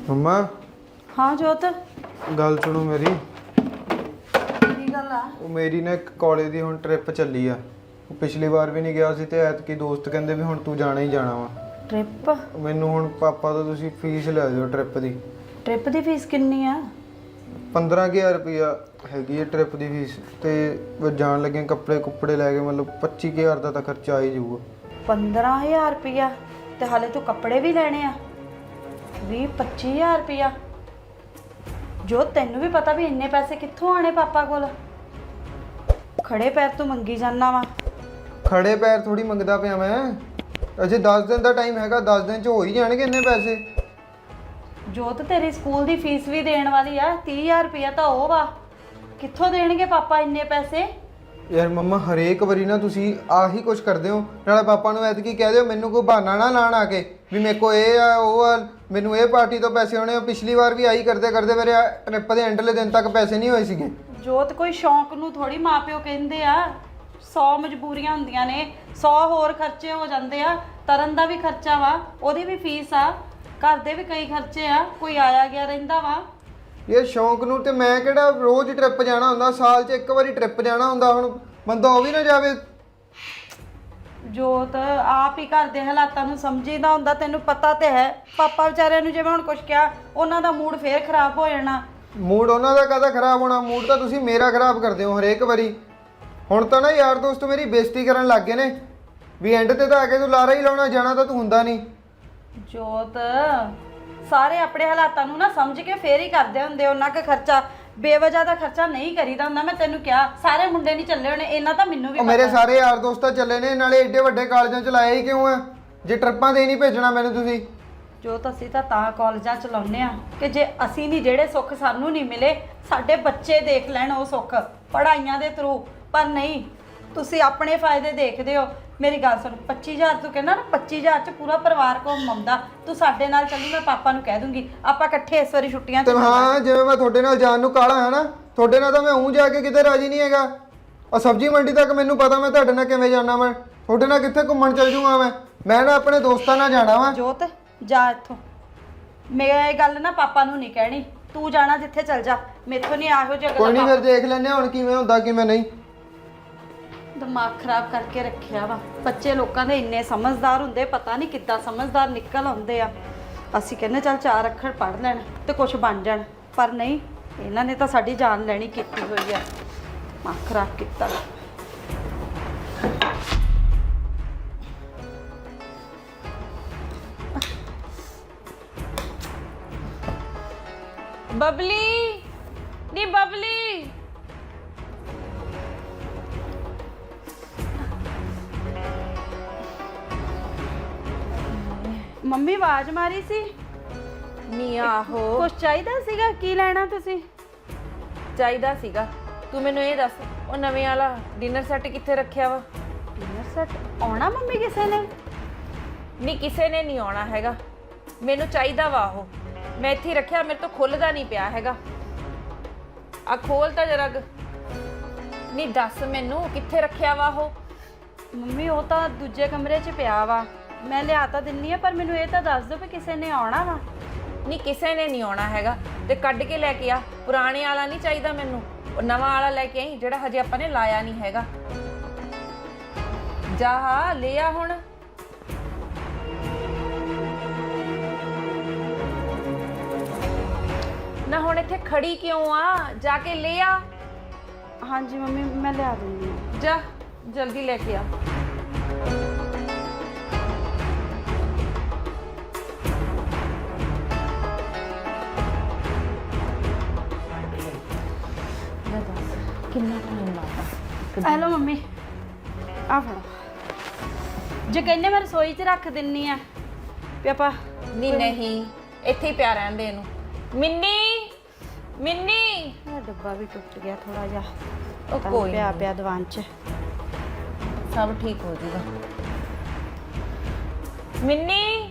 मम्मा हाँ जोत गल सुनो मेरी। की गल आ? ਉਹ ਮੇਰੀ ਨਾ ਇੱਕ ਕਾਲਜ ਦੀ ਹੁਣ ਟ੍ਰਿਪ ਚੱਲੀ ਆ। ਉਹ ਪਿਛਲੀ ਵਾਰ ਵੀ ਨਹੀਂ ਗਿਆ ਸੀ ਤੇ ਐਤਕੀ ਦੋਸਤ ਕਹਿੰਦੇ ਵੀ ਹੁਣ ਤੂੰ ਜਾਣਾ ਹੀ ਜਾਣਾ ਵਾ। ट्रिप ਮੈਨੂੰ ਹੁਣ ਪਾਪਾ ਤੋਂ ਤੁਸੀਂ ਫੀਸ ਲੈ ਦਿਓ ਟ੍ਰਿਪ ਦੀ। ट्रिप ਦੀ ਫੀਸ ਕਿੰਨੀ ਆ? 15000 ਰੁਪਇਆ ਹੈਗੀ ਹੈ ਟ੍ਰਿਪ ਦੀ ਫੀਸ ਤੇ ਜਾਣ ਲੱਗੇ ਕੱਪੜੇ ਕੁੱਪੜੇ ਲੈ ਕੇ ਮਤਲਬ 25000 ਦਾ ਤਾਂ ਖਰਚਾ ਆ ਹੀ ਜਾਊਗਾ। 15000 ਰੁਪਇਆ ਤੇ ਹਾਲੇ ਤੂੰ ਕੱਪੜੇ ਵੀ ਲੈਣੇ ਆ 20-25000 ਰੁਪਇਆ। ਜੋ ਤੈਨੂੰ ਵੀ ਪਤਾ ਵੀ ਇੰਨੇ ਪੈਸੇ ਕਿੱਥੋਂ ਆਣੇ ਪਾਪਾ ਕੋਲ। ਖੜੇ ਪੈਰ ਤੂੰ ਮੰਗੀ ਜਾਂਦਾ ਵਾ। ਖੜੇ ਪੈਰ ਥੋੜੀ ਮੰਗਦਾ ਪਿਆ ਮੈਂ। ਅਜੇ 10 ਦਿਨ ਦਾ ਟਾਈਮ ਹੈਗਾ, 10 ਦਿਨ ਚ ਹੋ ਹੀ ਜਾਣਗੇ ਇੰਨੇ ਪੈਸੇ। ਜੋਤ ਤੇਰੀ ਸਕੂਲ ਦੀ ਫੀਸ ਵੀ ਦੇਣ ਵਾਲੀ ਆ 30000 ਰੁਪਇਆ ਤਾਂ ਉਹ ਵਾ। ਕਿੱਥੋਂ ਦੇਣਗੇ ਪਾਪਾ ਇੰਨੇ ਪੈਸੇ? ਯਾਰ ਮੰਮਾ ਹਰੇਕ ਵਾਰੀ ਨਾ ਤੁਸੀਂ ਆਹੀ ਕੁਝ ਕਰਦੇ ਹੋ। ਨਾਲੇ ਪਾਪਾ ਨੂੰ ਐਤਕੀ ਕਹਿ ਦਿਓ ਮੈਨੂੰ ਕੋਈ ਬਹਾਨਾ ਨਾ ਲਾਣ ਆ ਕੇ ਵੀ ਮੇਰੇ ਕੋ ਇਹ ਆ ਉਹ ਆ, ਮੈਨੂੰ ਇਹ ਪਾਰਟੀ ਤੋਂ ਪੈਸੇ ਆਉਣੇ। ਪਿਛਲੀ ਵਾਰ ਵੀ ਆਹੀ ਕਰਦੇ ਕਰਦੇ ਮੇਰੇ ਟ੍ਰਿਪ ਦੇ ਐਂਡਲੇ ਦਿਨ ਤੱਕ ਪੈਸੇ ਨਹੀਂ ਹੋਏ ਸੀਗੇ। ਜੋਤ ਕੋਈ ਸ਼ੌਂਕ ਨੂੰ ਥੋੜੀ ਮਾਪਿਓ ਕਹਿੰਦੇ ਆ। 100 ਮਜਬੂਰੀਆਂ ਹੁੰਦੀਆਂ ਨੇ, 100 ਹੋਰ ਖਰਚੇ ਹੋ ਜਾਂਦੇ ਆ। ਤਰਨ ਦਾ ਵੀ ਖਰਚਾ ਵਾ, ਉਹਦੀ ਵੀ ਫੀਸ ਆ, ਘਰ ਦੇ ਵੀ ਕਈ ਖਰਚੇ ਆ, ਕੋਈ ਆਇਆ ਗਿਆ ਰਹਿੰਦਾ ਵਾ। ਇਹ ਸ਼ੌਂਕ ਨੂੰ ਤੇ ਮੈਂ ਕਿਹੜਾ ਰੋਜ਼ ਟ੍ਰਿਪ ਜਾਣਾ ਹੁੰਦਾ, ਸਾਲ 'ਚ ਇੱਕ ਵਾਰੀ ਟ੍ਰਿਪ ਜਾਣਾ ਹੁੰਦਾ। ਹੁਣ ਬੰਦਾ ਉਹ ਵੀ ਨਾ ਜਾਵੇ। ਜੋਤ ਆਪ ਹੀ ਘਰ ਦੇ ਹਾਲਾਤਾਂ ਨੂੰ ਸਮਝੀਦਾ ਹੁੰਦਾ, ਤੈਨੂੰ ਪਤਾ ਤੇ ਹੈ। ਪਾਪਾ ਵਿਚਾਰਿਆਂ ਨੂੰ ਜਿਵੇਂ ਹੁਣ ਕੁਝ ਕਿਹਾ ਉਹਨਾਂ ਦਾ ਮੂਡ ਫੇਰ ਖਰਾਬ ਹੋ ਜਾਣਾ। ਮੂਡ ਉਹਨਾਂ ਦਾ ਕਾਹਦਾ ਖਰਾਬ ਹੋਣਾ? ਮੂਡ ਤਾਂ ਤੁਸੀਂ ਮੇਰਾ ਖਰਾਬ ਕਰਦੇ ਹੋ ਹਰੇਕ ਵਾਰੀ। ਹੁਣ ਤਾਂ ਨਾ ਯਾਰ ਦੋਸਤ ਮੇਰੀ ਬੇਇੱਜ਼ਤੀ ਕਰਨ ਲੱਗ ਗਏ ਨੇ ਵੀ ਐਂਡ ਤੇ ਤਾਂ ਆ ਕੇ ਤੂੰ ਲਾਰਾ ਹੀ ਲਾਉਣਾ, ਜਾਣਾ ਤਾਂ ਤੂੰ ਹੁੰਦਾ ਨਹੀਂ। ਜੋਤ ਸਾਰੇ ਆਪਣੇ ਹਾਲਾਤਾਂ ਨੂੰ ਨਾ ਸਮਝ ਕੇ ਫੇਰ ਹੀ ਕਰਦੇ ਹੁੰਦੇ। ਉਹਨਾਂ ਕੁ ਖਰਚਾ ਬੇਵਜ੍ਹਾ ਦਾ ਖਰਚਾ ਨਹੀਂ ਕਰੀਦਾ ਹੁੰਦਾ। ਮੈਂ ਤੈਨੂੰ ਕਿਹਾ ਸਾਰੇ ਮੁੰਡੇ ਨਹੀਂ ਚੱਲੇ ਹੋਣੇ, ਇਹਨਾਂ ਤਾਂ ਮੈਨੂੰ ਵੀ ਉਹ ਮੇਰੇ ਸਾਰੇ ਯਾਰ ਦੋਸਤ ਚੱਲੇ ਨੇ, ਨਾਲੇ ਏਡੇ ਵੱਡੇ ਕਾਲਜਾਂ ਚ ਲਾਇਆ ਹੀ ਕਿਉਂ ਆ ਜੇ ਟ੍ਰਿਪਾਂ ਤੇ ਨਹੀਂ ਭੇਜਣਾ ਮੈਨੂੰ ਤੁਸੀਂ। ਜੋ ਤਾਂ ਅਸੀਂ ਤਾਂ ਕਾਲਜਾਂ ਚਲਾਉਂਦੇ ਆ ਕਿ ਜੇ ਅਸੀਂ ਨਹੀਂ ਜਿਹੜੇ ਸੁੱਖ ਸਾਨੂੰ ਨਹੀਂ ਮਿਲੇ ਸਾਡੇ ਬੱਚੇ ਦੇਖ ਲੈਣ ਉਹ ਸੁੱਖ ਪੜ੍ਹਾਈਆਂ ਦੇ ਥਰੂ। ਪਰ ਨਹੀਂ, ਤੁਸੀਂ ਆਪਣੇ ਫਾਇਦੇ ਦੇਖਦੇ ਹੋ। ਮੇਰੀ ਗੱਲ ਸੁਣ, 25000 ਤੂੰ ਕਹਿੰਦਾ ਨਾ, 25000 ਚ ਪੂਰਾ ਪਰਿਵਾਰ ਘੁੰਮਦਾ। ਤੂੰ ਸਾਡੇ ਨਾਲ ਚੱਲੀ, ਮੈਂ ਪਾਪਾ ਨੂੰ ਕਹਿ ਦੂੰਗੀ ਆਪਾਂ ਇਕੱਠੇ ਇਸ ਵਾਰੀ ਛੁੱਟੀਆਂ ਤੇ ਹਾਂ ਜਿਵੇਂ ਮੈਂ ਤੁਹਾਡੇ ਨਾਲ ਜਾਣ ਨੂੰ ਕਾਲਾ ਹੈ ਨਾ, ਤੁਹਾਡੇ ਨਾਲ ਤਾਂ ਮੈਂ ਊਂ ਜਾ ਕੇ ਕਿਤੇ ਰਾਜੀ ਨਹੀਂ ਹੈਗਾ। ਔਰ ਸਬਜ਼ੀ ਮੰਡੀ ਤੱਕ ਮੈਨੂੰ ਪਤਾ ਮੈਂ ਤੁਹਾਡੇ ਨਾਲ ਕਿਵੇਂ ਜਾਣਾ। ਮੈਂ ਤੁਹਾਡੇ ਨਾਲ ਕਿੱਥੇ ਘੁੰਮਣ ਚੱਲ ਜੂਗਾ। ਮੈਂ ਨਾ ਆਪਣੇ ਦੋਸਤਾਂ ਨਾਲ ਜਾਣਾ ਵਾ। ਜੋਤ ਜਾ ਇੱਥੋਂ। ਮੈਂ ਇਹ ਗੱਲ ਨਾ ਪਾਪਾ ਨੂੰ ਨਹੀਂ ਕਹਿਣੀ। ਤੂੰ ਜਾਣਾ ਜਿੱਥੇ ਚੱਲ ਜਾ, ਮੈਥੋਂ ਨਹੀਂ ਇਹੋ ਜਿਹਾ ਕੋਈ ਨਹੀਂ, ਫਿਰ ਦੇਖ ਲੈਂਦੇ ਹੁਣ ਕਿਵੇਂ ਹੁੰਦਾ ਕਿਵੇਂ ਨਹੀਂ। ਦਿਮਾਗ ਖਰਾਬ ਕਰਕੇ ਰੱਖਿਆ ਵਾ। ਬੱਚੇ ਲੋਕਾਂ ਦੇ ਇੰਨੇ ਸਮਝਦਾਰ ਹੁੰਦੇ, ਪਤਾ ਨਹੀਂ ਕਿੱਦਾਂ ਸਮਝਦਾਰ ਨਿਕਲ ਆਉਂਦੇ ਆ। ਅਸੀਂ ਕਹਿੰਦੇ ਚੱਲ 4 ਅੱਖਰ ਪੜ੍ਹ ਲੈਣ ਤੇ ਕੁਝ ਬਣ ਜਾਣ, ਪਰ ਨਹੀਂ, ਇਹਨਾਂ ਨੇ ਤਾਂ ਸਾਡੀ ਜਾਨ ਲੈਣੀ ਕੀਤੀ ਹੋਈ ਆ। ਦਿਮਾਗ ਖਰਾਬ ਕੀਤਾ। ਬਬਲੀ ਨੀ ਬਬਲੀ, ਮੰਮੀ ਆਵਾਜ਼ ਮਾਰੀ ਸੀ। ਨੀ ਆਹੋ ਕੁਛ ਚਾਹੀਦਾ ਸੀਗਾ? ਕੀ ਲੈਣਾ ਤੁਸੀਂ? ਚਾਹੀਦਾ ਸੀਗਾ। ਤੂੰ ਮੈਨੂੰ ਇਹ ਦੱਸ, ਉਹ ਨਵੇਂ ਵਾਲਾ ਡਿਨਰ ਸੈੱਟ ਕਿੱਥੇ ਰੱਖਿਆ ਵਾ? ਡਿਨਰ ਸੈੱਟ ਆਉਣਾ ਮੰਮੀ ਕਿਸੇ ਨੇ? ਨਹੀਂ ਕਿਸੇ ਨੇ ਨਹੀਂ ਆਉਣਾ ਹੈਗਾ, ਮੈਨੂੰ ਚਾਹੀਦਾ ਵਾ ਉਹ। ਮੈਂ ਇੱਥੇ ਹੀ ਰੱਖਿਆ, ਮੇਰੇ ਤੋਂ ਖੁੱਲਦਾ ਨਹੀਂ ਪਿਆ ਹੈਗਾ। ਆ ਖੋਲ ਤਾਂ ਜਰਾ। ਨਹੀਂ ਦੱਸ ਮੈਨੂੰ ਕਿੱਥੇ ਰੱਖਿਆ ਵਾ ਉਹ? ਮੰਮੀ ਉਹ ਤਾਂ ਦੂਜੇ ਕਮਰੇ 'ਚ ਪਿਆ ਵਾ, ਮੈਂ ਲਿਆ ਤਾਂ ਦਿੰਨੀ ਆ, ਪਰ ਮੈਨੂੰ ਇਹ ਤਾਂ ਦੱਸ ਦਿਓ ਵੀ ਕਿਸੇ ਨੇ ਆਉਣਾ ਵਾ। ਨਹੀਂ ਕਿਸੇ ਨੇ ਨਹੀਂ ਆਉਣਾ ਹੈਗਾ, ਤੇ ਕੱਢ ਕੇ ਲੈ ਕੇ ਆ। ਪੁਰਾਣੇ ਵਾਲਾ ਨਹੀਂ ਚਾਹੀਦਾ ਮੈਨੂੰ, ਉਹ ਨਵਾਂ ਵਾਲਾ ਲੈ ਕੇ ਆਈ ਜਿਹੜਾ ਹਜੇ ਆਪਾਂ ਨੇ ਲਾਇਆ ਨਹੀਂ ਹੈਗਾ। ਜਾ ਲੈ ਆ ਹੁਣ। ਨਾ ਹੁਣ ਇੱਥੇ ਖੜੀ ਕਿਉਂ ਆ? ਜਾ ਕੇ ਲੈ ਆ। ਹਾਂਜੀ ਮੰਮੀ ਮੈਂ ਲਿਆ ਦਿੰਦੀ ਆ। ਜਾ ਜਲਦੀ ਲੈ ਕੇ ਆ। ਕਿੰਨਾ ਟਾਈਮ ਲੱਗਦਾ? ਹੈਲੋ ਮੰਮੀ, ਆ ਫੜੋ। ਜੇ ਕਹਿੰਦੇ ਮੈਂ ਰਸੋਈ 'ਚ ਰੱਖ ਦਿੰਨੀ ਆ ਵੀ ਆਪਾਂ। ਨਹੀਂ ਇੱਥੇ ਹੀ ਪਿਆ ਰਹਿੰਦੇ ਇਹਨੂੰ। ਮਿੰਨੀ ਮਿੰਨੀ, ਇਹ ਡੱਬਾ ਵੀ ਟੁੱਟ ਗਿਆ ਥੋੜਾ ਜਿਹਾ। ਉਹ ਕੋਈ ਪਿਆ ਪਿਆ ਦੀਵਾਨ 'ਚ। ਸਭ ਠੀਕ ਹੋ ਜਾਊਗਾ। ਮਿੰਨੀ